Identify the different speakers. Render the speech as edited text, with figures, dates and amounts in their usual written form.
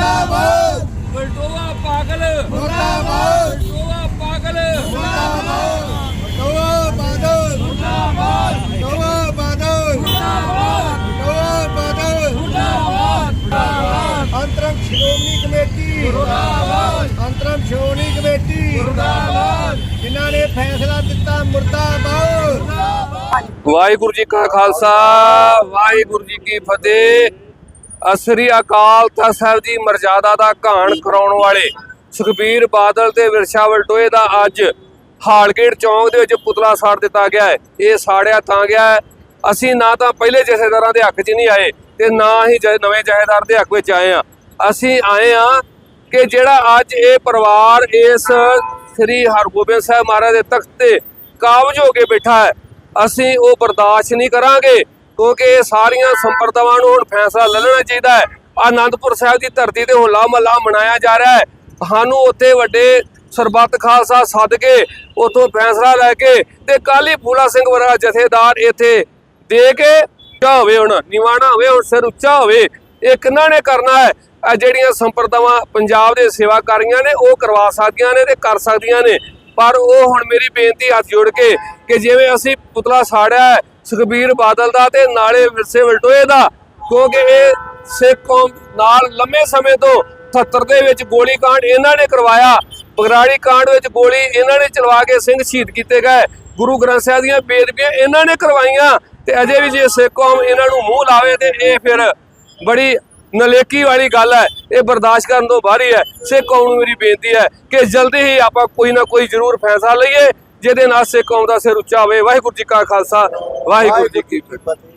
Speaker 1: मुर्दाबाद
Speaker 2: बलटोआ पागल
Speaker 1: मुर्दाबाद
Speaker 2: बलटोआ पागल
Speaker 1: मुर्दाबाद बलटोआ बादल
Speaker 2: मुर्दाबाद
Speaker 1: बलटोआ बादल
Speaker 2: मुर्दाबाद
Speaker 1: बलटोआ बादल
Speaker 2: मुर्दाबाद
Speaker 1: अंतरम श्रोमणी कमेटी अंतरम श्रोमणी कमेटी जिन्हों ने फैसला दिता मुर्दाबाद।
Speaker 2: वाहिगुरु जी का खालसा वाहिगुरु जी की फतेह। असरी अकाल तख्त साहब की मर्यादा का घाण कराने वाले सुखबीर बादल ते विरसा वलटोए का अज हालगेट चौंक दे विच पुतला साड़ दिता गया है। ये साड़िया तां गया है, असी ना तो पहले जथेदारां दे हक च नहीं आए ते ना ही नवे जथेदार दे हक विच आए हाँ। असी आए हाँ कि जिहड़ा अज ये परिवार इस श्री हरगोबिंद साहब महाराज के तख्त ते काबज हो के बैठा है, असी वो बर्दाश्त नहीं करांगे क्योंकि सारिया संप्रदावां नूं हुण फैसला ले लेना चाहिए है। आनंदपुर साहब की धरती ते होला महला मनाया जा रहा है, सानूं उत्थे वड्डे सरबत खालसा सद के उतों फैसला लैके ते कल ही फूला सिंह वर्गा जथेदार इत्थे दे के उच्चा होवे, हुण निवाणा होवे, हुण सिर उच्चा होवे। ये किन्हां ने करना है? ਜਿਹੜੀਆਂ ਸੰਪਰਦਾਵਾਂ ਪੰਜਾਬ ਦੇ ਸੇਵਾਕਾਰੀਆਂ ਨੇ ਉਹ ਕਰਵਾ ਸਕਦੀਆਂ ਨੇ ਤੇ ਕਰ ਸਕਦੀਆਂ ਨੇ, ਪਰ ਉਹ ਹੁਣ ਮੇਰੀ ਬੇਨਤੀ ਹੱਥ ਜੋੜ ਕੇ ਕਿ ਜਿਵੇਂ ਅਸੀਂ ਪੁਤਲਾ ਸਾੜਿਆ ਹੈ ਸੁਖਬੀਰ ਬਾਦਲ ਦਾ ਤੇ ਨਾਲੇ ਵਿਰਸੇ ਵਲਟੋਏ ਦਾ, ਕਿਉਂਕਿ ਇਹ ਸਿੱਖ ਕੌਮ ਨਾਲ ਲੰਮੇ ਸਮੇਂ ਤੋਂ 77 ਦੇ ਵਿੱਚ ਗੋਲੀ ਕਾਂਡ ਇਹਨਾਂ ਨੇ ਕਰਵਾਇਆ, ਬਗਰਾੜੀ ਕਾਂਡ ਵਿੱਚ ਗੋਲੀ ਇਹਨਾਂ ਨੇ ਚਲਵਾ ਕੇ ਸਿੰਘ ਸ਼ਹੀਦ ਕੀਤੇ ਗਏ, ਗੁਰੂ ਗ੍ਰੰਥ ਸਾਹਿਬ ਦੀਆਂ ਬੇਅਦਬੀਆਂ ਇਹਨਾਂ ਨੇ ਕਰਵਾਈਆਂ ਤੇ ਅਜੇ ਵੀ ਜੇ ਸਿੱਖ ਕੌਮ ਇਹਨਾਂ ਨੂੰ ਮੂੰਹ ਲਾਵੇ ਤੇ ਇਹ ਫਿਰ ਬੜੀ नलेकी वाली गल है, ये बर्दाश्त करने तो बाहर ही है। सिख कौम नूं मेरी बेनती है कि जल्दी ही आप कोई ना कोई जरूर फैसला लईए जिहदे नाल सिख कौम दा सिर उच्चा होवे। वाहिगुरू जी का खालसा वाहिगुरू जी की फतेह।